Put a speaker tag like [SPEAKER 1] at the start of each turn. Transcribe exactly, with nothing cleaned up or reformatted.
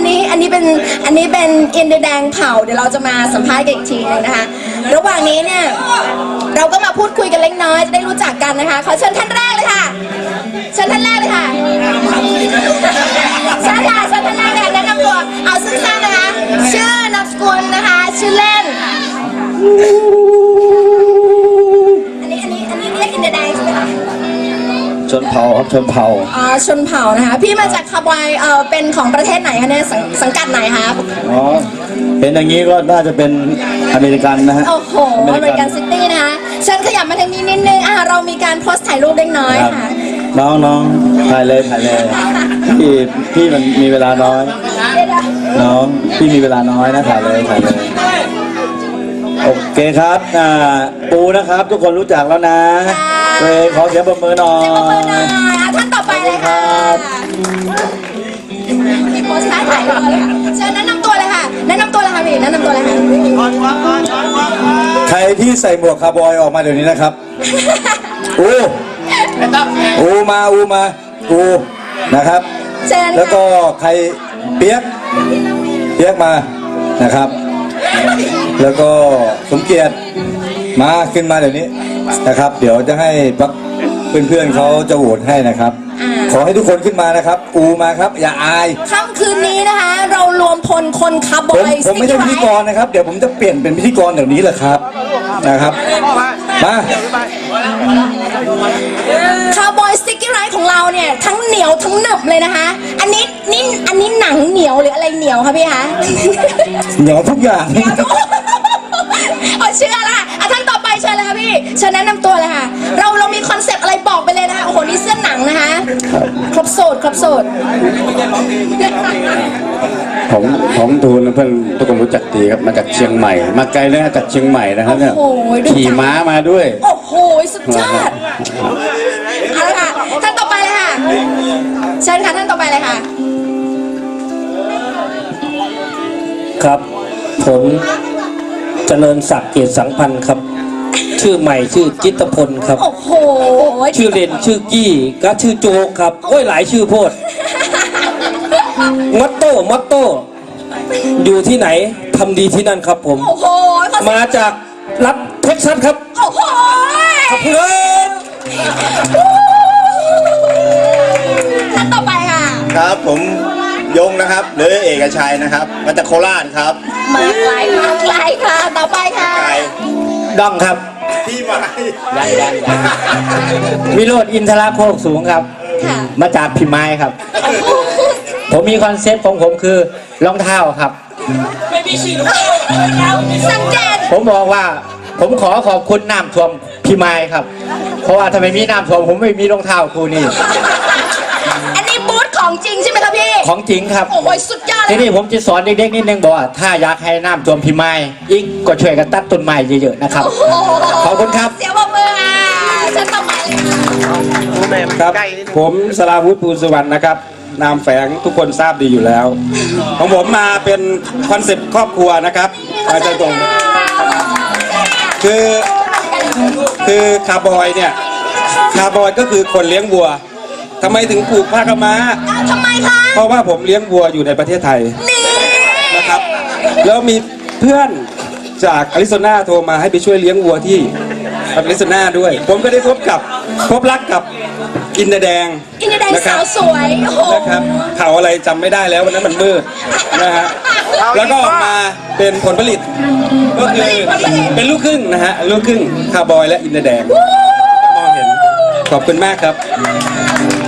[SPEAKER 1] นนี้อันนี้เป็นอันนี้เป็นอินเดียแดงเผาเดี๋ยวเราจะมาสัมภาษณ์กันอีกทีนึงนะคะระหว่างนี้เนี่ยเราก็มาพูดคุยกันเล็กน้อยจะได้รู้จักกันนะคะขอเชิญท่านแรกเลยค่ะเชิญท่านแรกเลยค่ะเชิญค่ะเชิญท่านแรกเลยแนะนำตัวเอาสั้นๆนะคะชื่อนามสกุลนะคะชื่อเล่นอันนี้อันนี้อันนี้เรียกอินเดียแดงใช่ไหมคะ
[SPEAKER 2] ชนเผ่าครับชนเผ่า
[SPEAKER 1] อ๋อชนเผ่านะคะพี่มาจากคาร์บอยเออเป็นของประเทศไหนคะเนี่ยสังสังกัดไหนคะ
[SPEAKER 2] อ๋อเป็นอย่างนี้ก็น่าจะเป็นอเมริกันนะฮะ
[SPEAKER 1] โอ้โหอเมริกันซิตี้นะคะเชิญขยับมาทางนี้นิดนึงอ่ะเรามีการโพสต์ถ่ายรูปเล็กน้อยค่ะ
[SPEAKER 2] น้องน้องถ่ายเลยถ่ายเลยพี่พี่มันมีเวลาน้อยน้องพี่มีเวลาน้อยนะถ่ายเลยถ่ายเลยโอเคครับอ่าปูนะครับทุกคนรู้จักแล้วนะเว้ยขอเสียงปรบมือหน่อย
[SPEAKER 1] ท่านต่อไปเลยค่ะมีโพสต์ถ่ายรูปเลยค่ะเชิญแนะนำตัวเลยค่ะแนะนำตัวเลยค่ะพี่แนะนำตัวเลยค่ะ
[SPEAKER 2] ใครที่ใส่หมวกคาร์บอยออกมาเดี๋ยวนี้นะครับอูอูมาอูมาอูนะครับแล้วก็ใครเปียกเปียกมานะครับแล้วก็สมเกียรติมาขึ้นมาเดี๋ยวนี้นะครับเดี๋ยวจะให้พักเพื่อนๆเขาจะโหวตให้นะครับขอให้ทุกคนขึ้นมานะครับอูมาครับอย่าอาย
[SPEAKER 1] ค่ำคืนนี้นะคะเรารวมพลคนคาร์บอย
[SPEAKER 2] ผมไม่ใช่พิธีกรนะครับเดี๋ยวผมจะเปลี่ยนเป็นพิธีกรเดี๋ยวนี้แหละครับนะครับมา
[SPEAKER 1] คาร์บอยสติ๊กเกอร์ไรท์ของเราเนี่ยทั้งเหนียวทั้งหนึบเลยนะคะอันนี้นี่อันนี้หนังเหนียวหรืออะไรเหนียวคะพี่คะ
[SPEAKER 2] เหนียวทุกอย่าง
[SPEAKER 1] เอาเชื่อละอ่ะท่านต่อไปเชิญเลยค่ะพี่เชิญแนะนำตัวเลยค่ะเราเรามีคอนเซ็ปต์อะไรบอกไปเลยนะคะโอ้โหนี่เสื้อหนังนะคะครบโสดครบโสด
[SPEAKER 3] ผมผมทูลเพื่อนทุกคนรู้จักดีครับมาจากเชียงใหม่มาไกลเลยจากเชียงใหม่นะครับเนี่ยขี่ม้ามาด้วย
[SPEAKER 1] โอ้โหสุดยอดเอาละค่ะท่านต่อไปเลยค่ะเชิญค่ะท่านต่อไปเลยค่ะ
[SPEAKER 4] ครับผมเจริญศักดิ์เกียรติสังพันธ์ครับชื่อใหม่ชื่อจิตพลครับ
[SPEAKER 1] โอ้โห
[SPEAKER 4] ชื่อเล่นชื่อกี้ก็ชื่อโจกครับโอ้ยหลายชื่อโพดมอตโต้มอตโต้อยู่ที่ไหนทำดีที่นั่นครับผม
[SPEAKER 1] โอ้โห
[SPEAKER 4] มาจากรัฐเท็กซัสครับ
[SPEAKER 1] โอ้โห
[SPEAKER 4] ขอบคุณ
[SPEAKER 1] ท่านต่อไปค่ะ
[SPEAKER 5] ครับผมยงนะครับหรือเอกชัยนะครับมาจากโคราชครับ
[SPEAKER 1] มาไกลมาไกลค่ะต่อไปค่ะ
[SPEAKER 4] ดองครับ
[SPEAKER 5] ที่มา
[SPEAKER 4] ได้ได้วิโรจน์อินทราโคกสูงครับมาจากพิมายครับผมมีคอนเซ็ปต์ของผมคือรองเท้าครับไม่มีชื่อ
[SPEAKER 1] สังเกต
[SPEAKER 4] ผมบอกว่าผมขอขอบคุณน้ำท่วมพิมายครับเพราะว่าถ้าไม่มีน้ำท่วมผมไม่มีรองเท้าคู่นี้
[SPEAKER 1] อันนี้บูธของจริงใช่ไหมครับพี่
[SPEAKER 4] ของจริงครับ
[SPEAKER 1] โอ้โหสุดยอดเลย
[SPEAKER 4] ทีนี้ผมจะสอนเด็กๆนิดนึงบอกว่าถ้าอยากให้น้ำท่วมพิมายอีกก็ช่วยกันตัดต้นไม้เยอะๆนะครับขอบคุณครับ
[SPEAKER 1] เสียบมืออ่ะฉันต่อไปเลย
[SPEAKER 6] ครับผมสราวุฒิภูสุวรรณนะครับนามแฝงทุกคนทราบดีอยู่แล้วของผมมาเป็นคอนเซ็ปต์ครอบครัวนะครับอาจารย์ตรงคือคือคาร์บอยเนี่ยคาร์บอยก็คือคนเลี้ยงวัวทำไมถึงปลูกผ้ากำมะ
[SPEAKER 1] ทำไมคะ
[SPEAKER 6] เพราะว่าผมเลี้ยงวัวอยู่ในประเทศไทยนะครับแล้วมีเพื่อนจากอาริโซนาโทรมาให้ไปช่วยเลี้ยงวัวที่อาริโซนาด้วยผมก็ได้พบกับพบรักกับอินเดียแดง
[SPEAKER 1] อินเดียแดงสาวสวย
[SPEAKER 6] นะครับเขาอะไรจำไม่ได้แล้ววันนั้นมันมืดนะฮะแล้วก็ออกมาเป็นผลผลิตก็คือเป็นลูกครึ่งนะฮะลูกครึ่งคาร์บอยและอินเดียแดงมองเห็นขอบคุณมากครับ